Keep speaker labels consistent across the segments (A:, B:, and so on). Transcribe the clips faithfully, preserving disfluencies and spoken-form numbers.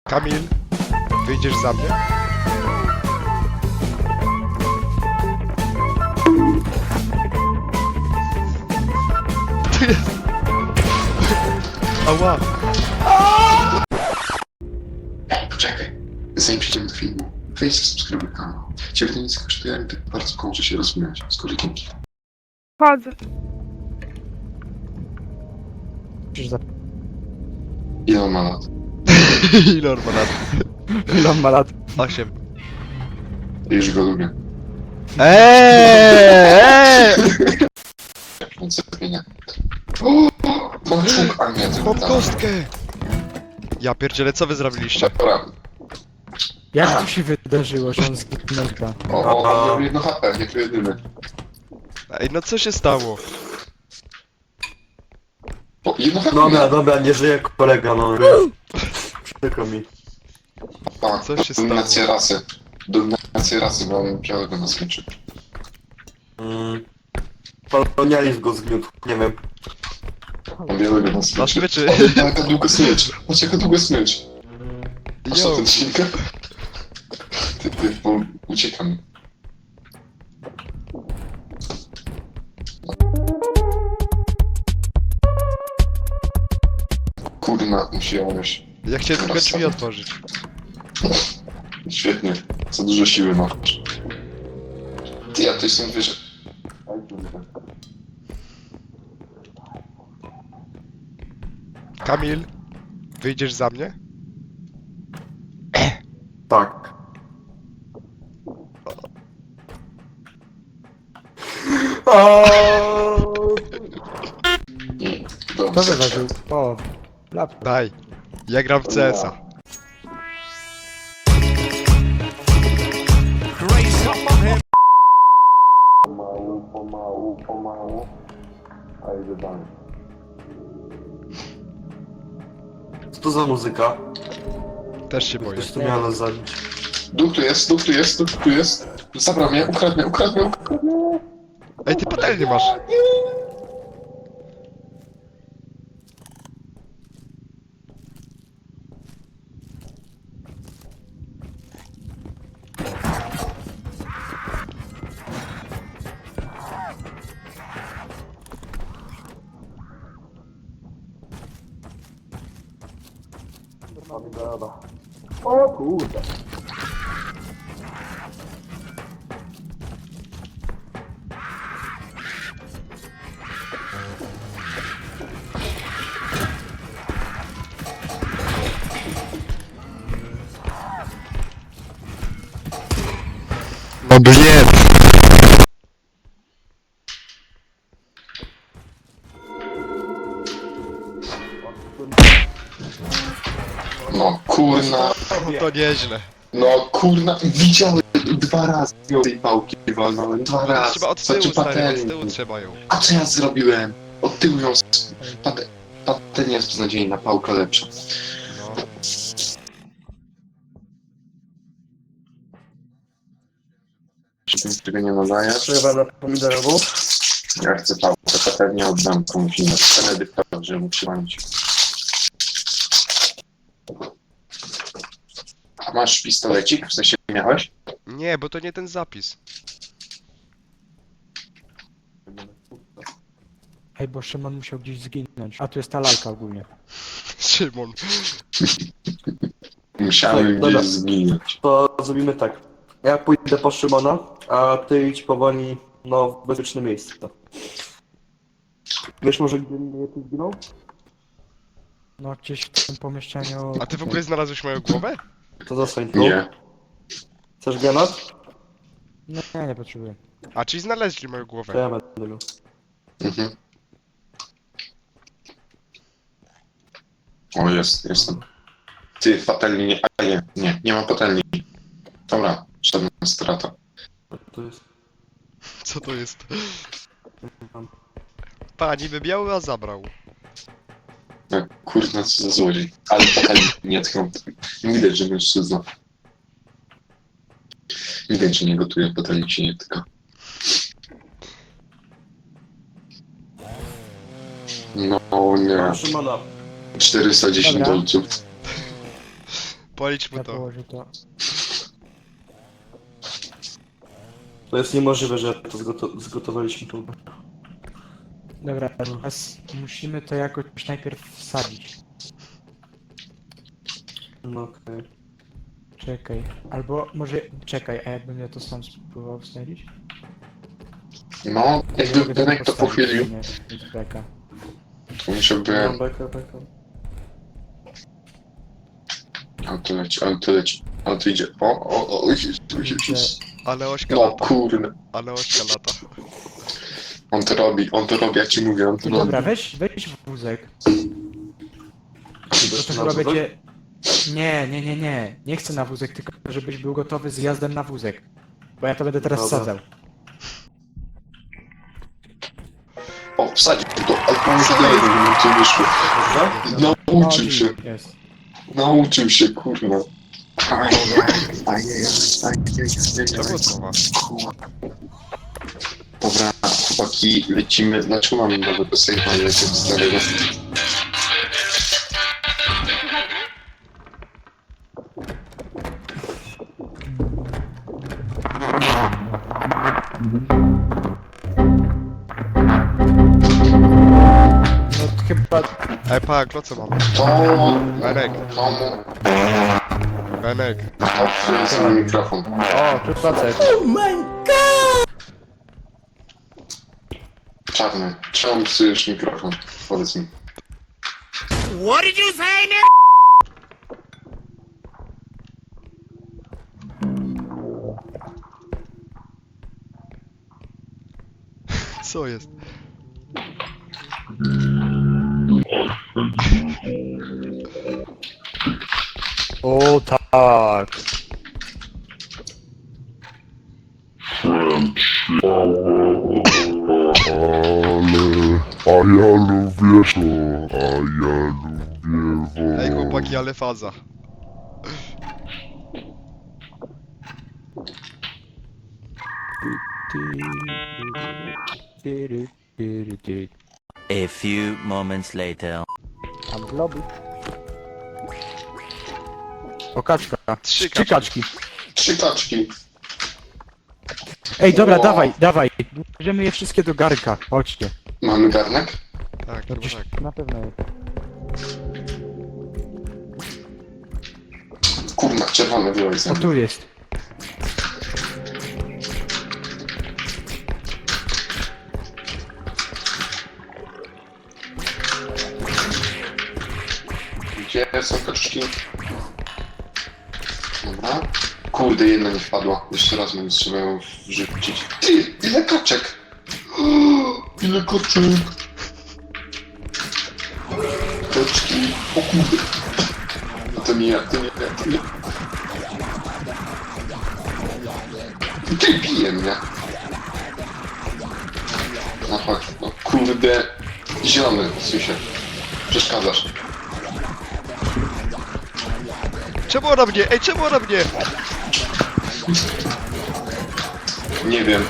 A: Kamil, wyjdziesz za mnie? Tu jest! Ała!
B: Poczekaj, zanim przejdziemy do filmu, wejdź subskrybuj kanał. Ciebie to nic nie kosztuje, ale tak bardzo kończy się rozwijać z kolegi.
C: Chodzę.
B: Ile on ma lat?
A: Ile on ma lat?
C: Ile on ma lat?
A: Osiem.
B: Już go lubię.
A: Eee!
B: Ręce zmienia. O! Mam czuk, a nie, to
A: Mam
B: tak.
A: kostkę! Ja pierdzielę, co wy zrobiliście?
B: Dobra.
C: Jak to się wydarzyło, że on zginął?
B: O, o, on miał jedno H P, nie to jedyny.
A: Ej, no co się stało?
B: O, jedno H P
D: Dobra,
B: miał.
D: dobra, nie żyje kolega, no. Przykro mi.
B: A,
A: Co się
B: dominacja
A: stało?
B: rasy. Dominacja rasy, bo on białego na smyczy.
D: Mm. Kolonializm go zgniótł, nie wiem.
B: On białego na
A: Na
B: smyczy.
A: smyczy.
B: O, jaka długo smycz. Patrz, jaka długo smycz. A co
A: Yo!
B: ten silka? Ty, ty, bo uciekam. Kurna, musiałeś.
A: Ja chciałem tylko drzwi otworzyć.
B: Świetnie. Za dużo siły masz. Ty, ja to jestem wyżej.
A: Kamil, wyjdziesz za mnie?
D: Tak.
B: Nie,
C: Kto
B: dobrze.
C: wyważył? O, laptop.
A: Daj. Ja gram w C S a.
B: Pomału, pomału, pomału. A idę dalej.
D: Co to za muzyka?
A: Też się boję.
D: Ktoś tu miał nas zabić.
B: Duch tu jest, duch tu jest, duch tu jest. Zabrał mnie, ukradł mnie, ukradł mnie, ukradł mnie.
A: Ej, ty patelnię masz.
D: O kurde.
A: No blien!
B: No kurna,
A: No to nieźle.
B: no kurna, widziałem dwa razy ją tej pałki walnąłem, dwa razy.
A: Trzeba od
B: Znaczy
A: tyłu, stary, od
B: patelni.
A: tyłu trzeba ją.
B: A co ja zrobiłem? Od tyłu ją... s- Pate... Patelnia jest beznadziejna, pałka lepsza.
A: No.
B: Czy ten tego nie nadaje?
D: Trzeba na pomidorową.
B: Ja chcę pałkę, patelnię oddam komuś innemu. Benedykta, żeby mu przywalić. A masz pistolecik? W sensie miałeś?
A: Nie, bo to nie ten zapis.
C: Ej, bo Szymon musiał gdzieś zginąć. A tu jest ta lalka ogólnie.
A: Szymon.
B: Musiałem
D: Dobra.
B: gdzieś zginąć.
D: To zrobimy tak. Ja pójdę po Szymona, a ty idź powoli, no, w bezpieczne miejsce. Wiesz może, gdzie mnie tu zginął?
C: No gdzieś w tym pomieszczeniu...
A: A ty w ogóle znalazłeś moją głowę?
D: To zostań tu.
B: Nie.
D: Chcesz granat?
C: No nie, nie potrzebuję.
A: A, czyli znaleźli moją
D: To
A: głowę.
D: ja będę miał.
B: Mhm. O, jest, jestem. Ty, patelni nie... A nie, nie, nie ma patelni. Dobra, żadna strata.
D: To jest...
A: Co to jest? Pani wybiał, a zabrał.
B: No, kurna, co za złodziej. Ale patelni nie tkną. Widać, że mężczyzna. Widać, że nie gotuje, patelni się nie tyka. No nie.
D: Mam Szymona.
B: czterysta dziesięć
C: Dobra.
B: dolców.
A: Policz mu
C: Ja
A: to.
C: położę to.
D: To jest niemożliwe, że to zgoto zgotowaliśmy tu.
C: Dobra, teraz musimy to jakoś najpierw wsadzić.
D: No okej.
C: Czekaj. Albo może... Czekaj, a jakbym ja to sam spróbował wsadzić?
B: No, jakby
C: Mogę tak
B: Benek to
C: postawić,
B: pochylił,
C: nie, mieć beka.
B: to musiałby...
D: Mam beka, beka.
B: Auto leci, auto leci, auto idzie. O, o, o, o,
A: Ale ośka
B: no
A: lata.
B: kurde.
A: Ale ośka lata.
B: On to robi, on to robi, jak ci mówię, on to robi.
C: Dobra, weź, weź wózek. Do tego
D: Na
C: będzie... Nie, nie, nie, nie. Nie chcę na wózek, tylko żebyś był gotowy z jazdem na wózek. Bo ja to będę teraz
D: Dobra.
C: wsadzał.
B: O, wsadził to, ale pan już nie wiem, jak to wyszło.
D: Dobra?
B: Nauczył
C: No,
B: się,
C: Jest.
B: nauczył się, kurwa. Ajajaj, ajajaj,
A: To było
B: ajajaj.
A: słowa.
B: Dobra, chłopaki, lecimy. Dlaczego mamy nowego save'a, ale lecimy starego?
C: No chyba...
A: Ej, pa, kloce mamy.
B: To...
A: Benek,
B: To...
A: Benek.
B: To jest mój mikrofon.
C: O, tu facet.
B: Czarny, czemu psujesz mikrofon? Powiedz mi.
A: Co jest?
C: O tak.
E: Ale, a ja lubię to, a ja lubię
A: Ej,
E: wo.
A: chłopaki, ale faza.
F: A few moments later.
C: Tam globy. O, kaczka.
A: Trzy
C: Trzy kaczki.
B: Trzy kaczki.
C: Ej, dobra,
B: O.
C: dawaj, dawaj. Bierzemy je wszystkie do garnka. Chodźcie.
B: Mamy garnek?
A: Tak,
C: No
A: chyba
C: gdzieś
A: tak.
C: na pewno jest.
B: Kurna, czerwony wyłaj
C: O,
B: zęby.
C: tu jest.
B: Gdzie są kaczki? Dobra. Kurde, jedna nie wpadła. Jeszcze raz będę trzeba ją wrzucić. Ty, ile kaczek? O, ile kaczek? Kaczki. O kurde. To nie ja, to nie ja, to nie ja. Ty bije mnie. No chodź, no kurde. Zielony, Sysie. Przeszkadzasz.
A: Czemu ona mnie? Ej, czemu ona mnie?
B: Nie wiem.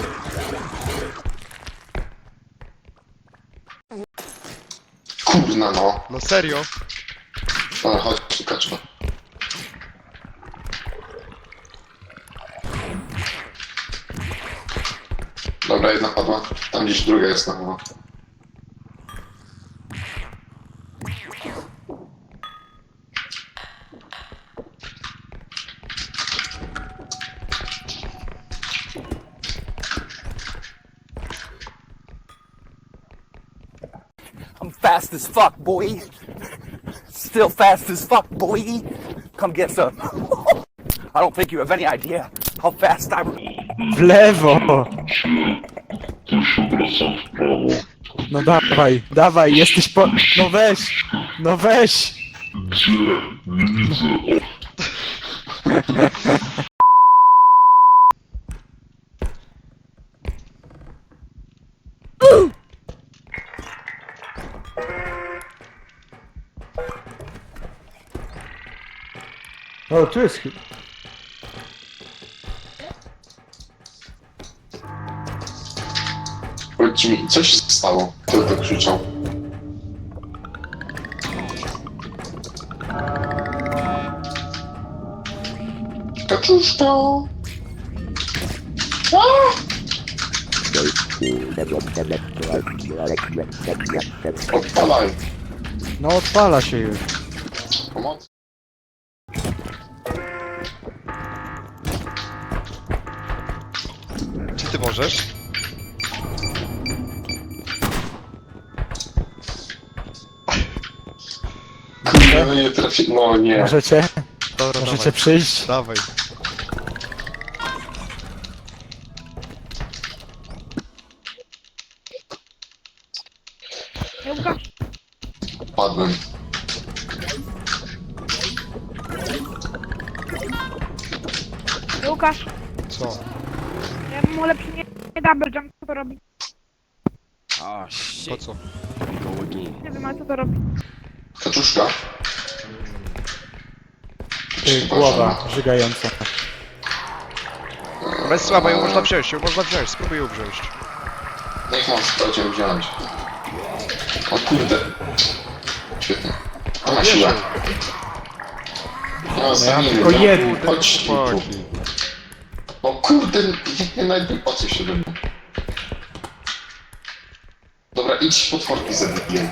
B: Kurna no.
A: No serio?
B: Ale chodź, kaczma. Dobra, jedna padła. Tam gdzieś druga jest na chyba.
G: I'm fast as fuck, boy. Still fast as fuck, boy. Come get some. I don't think you have any idea how fast I...
C: W lewo! No dawaj, dawaj, jesteś po... No weź! No weź! O, tu jest... chy-
B: Powiedz mi, co się stało? Kto to krzyczał? Kaczuszka! Odpalaj!
C: No odpala się już.
B: Pomoc?
A: Czy ty możesz?
B: No nie trafi... No nie.
C: Możecie?
A: Dobra,
C: Możecie
A: dawaj.
C: przyjść?
A: Dawaj.
H: Łukasz,
B: Padłem.
H: Łukasz,
A: Co?
H: ja mu lepszy nie, nie double jump, co to robi?
A: Po co?
H: Nie wiem, ale co to robi?
B: Kaczuszka?
C: Ty, głowa żygająca.
A: Ona jest słaba, ją można wziąć, ją można wziąć, spróbuj ją wziąć.
B: Niech mam sprawdzić wziąć. O kurde. Świetnie. To ma
A: Bierz
B: siłę.
A: ją.
B: No, zabijmy
C: tylko
B: ją.
C: jedną.
B: Chodź tu.
A: Chłopaki.
B: O kurde, nie najpierw po co się do mnie. Dobra, idź potworki zabiję.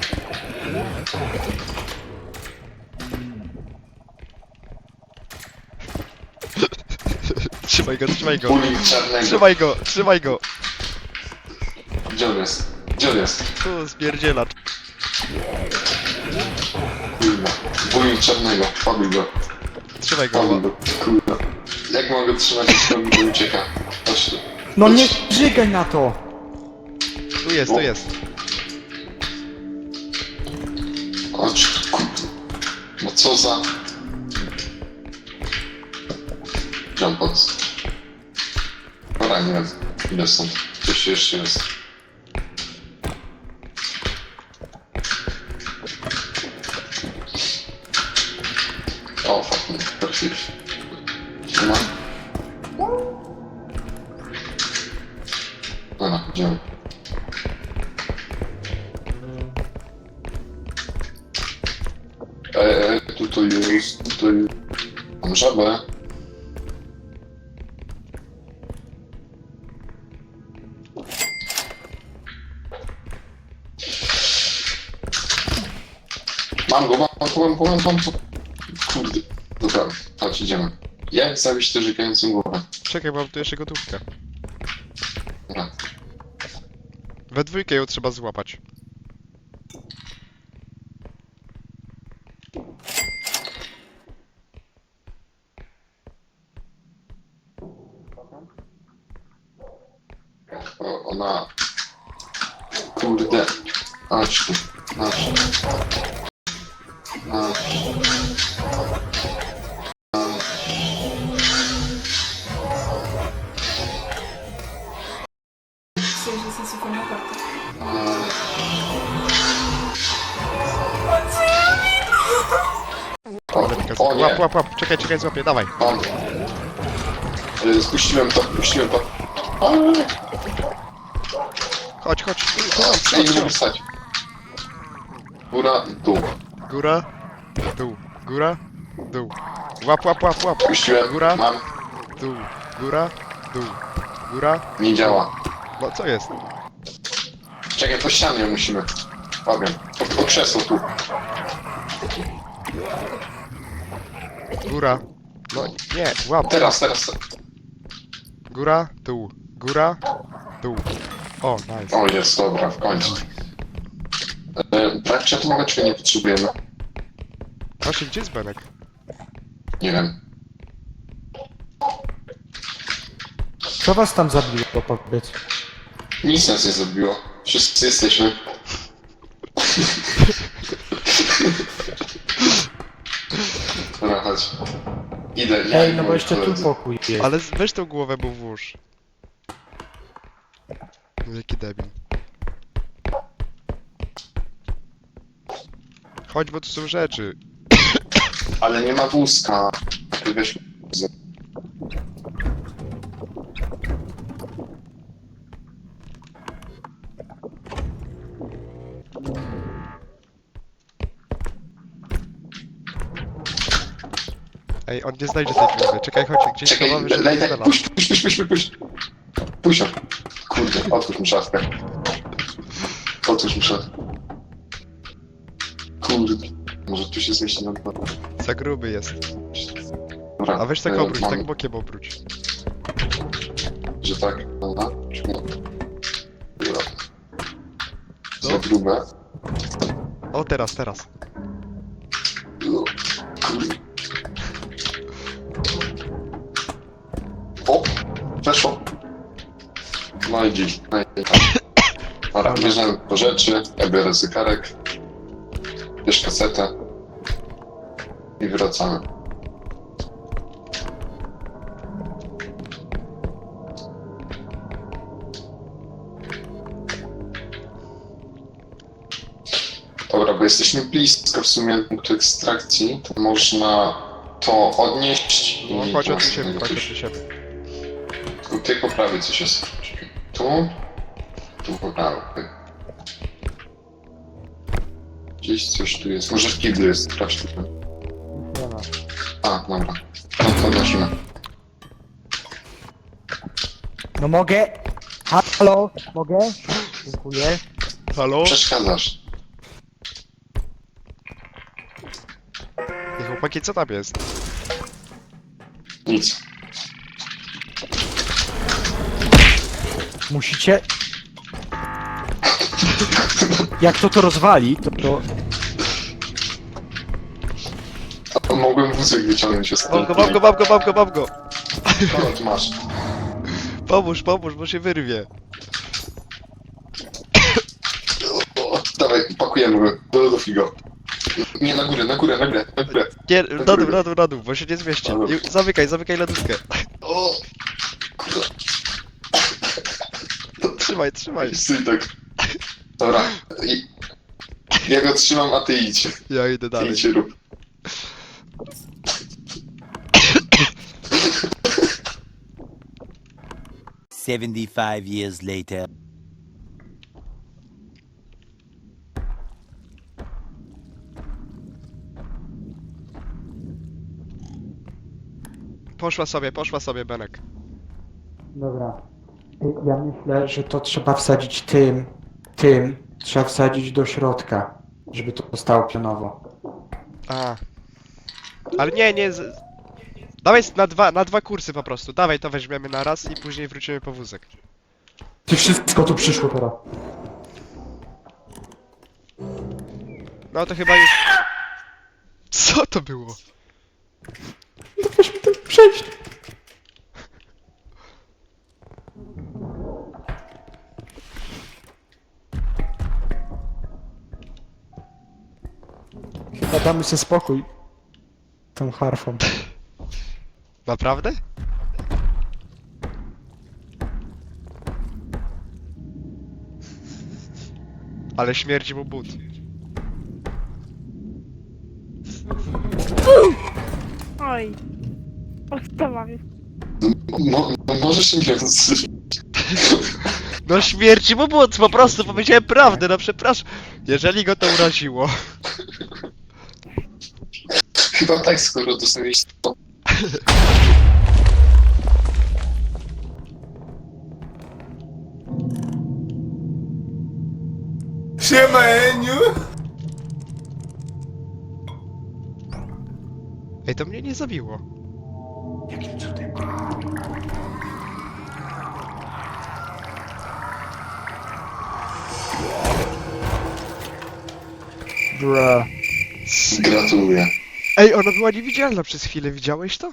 A: Trzymaj go, trzymaj go.
B: Bullying czarnego.
A: Trzymaj go, trzymaj go.
B: Gdzie on jest? Gdzie on jest?
A: Tu spierdziela.
B: Kurwa. Bullying czarnego. Fabuj go.
A: Trzymaj go.
B: Fabuj go. Kurwa. Jak mogę trzymać, jak robi, to ucieka. Chodź tu.
C: No nie żygaj na to!
A: Tu jest, tu jest.
B: Chodź tu, kurwa. No co za... Jumpots. Dobra, nie wiem. Ile stąd? Coś jeszcze jest. O, fucking perfect. Nie ma? Dobra, idziemy. Eee, tutaj jest, tutaj... Mam żabę. Mam go, mam go, mam go, mam go, mam go. Kurde. Dobra, chodź, idziemy. Jak zabić tę żygającą głowę?
A: Czekaj, mam tu jeszcze gotówkę.
B: Dobra.
A: We dwójkę ją trzeba złapać.
B: O, ona... Kurde. Chodź tu. Chodź. Chodź. O, o nie,
A: Łap, łap, łap. Czekaj, czekaj, złapię, dawaj.
B: mam. E, Spuściłem to, spuściłem to. Ale...
A: Chodź, chodź. Tu, tu,
B: Ja
A: tu,
B: nie
A: tu.
B: mogę wstać. Góra, dół.
A: Góra, dół, góra, dół. Łap, łap, łap, łap.
B: Puściłem,
A: Góra.
B: mam.
A: Dół, góra, dół, góra.
B: Nie działa.
A: No co jest?
B: Czekaj, po ścianie musimy. Fabian, po, po krzesło tu.
A: Góra. No nie, łap.
B: Teraz, teraz.
A: Góra, dół, góra, dół. O, nice.
B: O, jest, dobra, w końcu. E, brak czatu czy nie potrzebujemy?
A: Właśnie, gdzie jest Benek?
B: Nie wiem.
C: Co was tam zabiło, powiedz?
B: Nic nas nie zrobiło. Wszyscy jesteśmy. Dobra, chodź. Idę, ja
C: Ej,
B: i
C: no bo
B: moi
C: jeszcze tu
B: koledzy.
C: pokój jest.
A: Ale z- weź tą głowę, bo włóż. No jaki debil. Chodź, bo tu są rzeczy.
B: Ale nie ma wózka. Weź wózek.
A: Ej, on nie znajdzie tej głowy. Czekaj, chodź, gdzieś
B: Czekaj,
A: schowamy, żeby
B: daj,
A: nie
B: daj,
A: znalazł.
B: puść, puść, puść, puść, puść, puść. Puść ją. Kurde, otwórz mi szafkę. Otwórz mi szafkę. Kurde, może tu się zmieści na dwa.
A: Za gruby jest.
B: Dobra,
A: A weź tak
B: e,
A: obróć,
B: mam,
A: tak bokiem obróć.
B: Że tak, dobra. Dobra. Za
A: No.
B: grube.
A: O, teraz, teraz.
B: No, kurde. O, weszło. No i dziś. No i tak. Dobra, bierzemy po rzeczy, ja biorę zegarek, bierz kasetę i wracamy. Dobra, bo jesteśmy blisko w sumie punktu ekstrakcji, to można to odnieść i...
A: No, chodź od
B: właśnie
A: siebie,
B: tego
A: chodź od
B: coś-
A: siebie.
B: Tutaj po prawej coś jest. Tu, tu po prawej. Gdzieś coś tu jest. Może w kiblu jest, sprawdź tutaj. A, dobra. No to nosimy.
C: No mogę? Halo? Mogę? Dziękuję.
A: Halo?
B: Przeszkadzasz.
A: Ej, chłopaki, co tam jest?
B: Nic.
C: Musicie... Jak to to rozwali, to to...
B: A mogłem wózek wyciągnąć
A: Mam go,
B: ostatnio.
A: mam go, mam go, mam go, mam go!
B: Dobra, tu masz.
A: Pomóż, pomóż, bo się wyrwie.
B: O, dawaj, pakujemy go. Do lodówki go. Nie, na górę, na górę, na górę, na górę.
A: Nie, na dół, na dół, na dół, bo się nie zmieści.
B: Dobra.
A: I zamykaj, zamykaj lodówkę.
B: O! Kurde.
A: Trzymaj, trzymaj.
B: Stój tak. Dobra. I... Ja go trzymam, a ty idź.
A: Ja idę
B: Ty
A: dalej.
B: idź rób.
F: Seventy-five years later.
A: Poszła sobie, poszła sobie, Benek.
C: Dobra. Ja myślę, że to trzeba wsadzić tym, tym, trzeba wsadzić do środka, żeby to zostało pionowo.
A: A. Ale nie, nie. Z... Dawaj na dwa, na dwa kursy po prostu. Dawaj, to weźmiemy na raz i później wrócimy po wózek.
C: Ty wszystko tu przyszło teraz.
A: No to chyba już... Co to było?
C: No weź mi ten przejść. Damy sobie spokój. Tą harfą.
A: Naprawdę? Ale śmierdzi mu but.
H: Oj. Podstawa jest.
B: No, no możesz nie więc.
A: No śmierci mu but, po prostu powiedziałem prawdę, no przepraszam. Jeżeli go to uraziło.
B: Chyba tak, skoro dostaniesz to.
I: Siema, Eniu!
A: Ej, to mnie nie zabiło.
C: Bruh.
B: Gratuluję.
A: Ej, ona była niewidzialna przez chwilę, widziałeś to?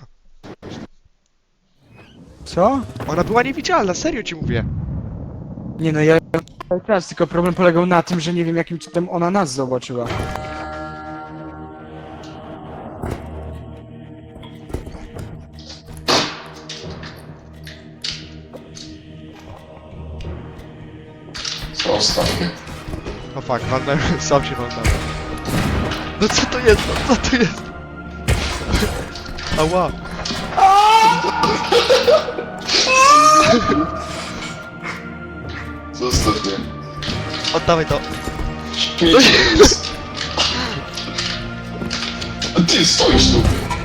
C: Co?
A: Ona była niewidzialna, serio ci mówię.
C: Nie no, ja cały czas, tylko problem polegał na tym, że nie wiem jakim cudem ona nas zobaczyła.
B: Co ostatnie?
A: O fuck, walnąłem, sam się walnąłem. No co to jest, no co to jest? Ała.
B: Zostaw mnie.
A: Oddawaj to.
B: Śmieci jest. A ty stoisz tu.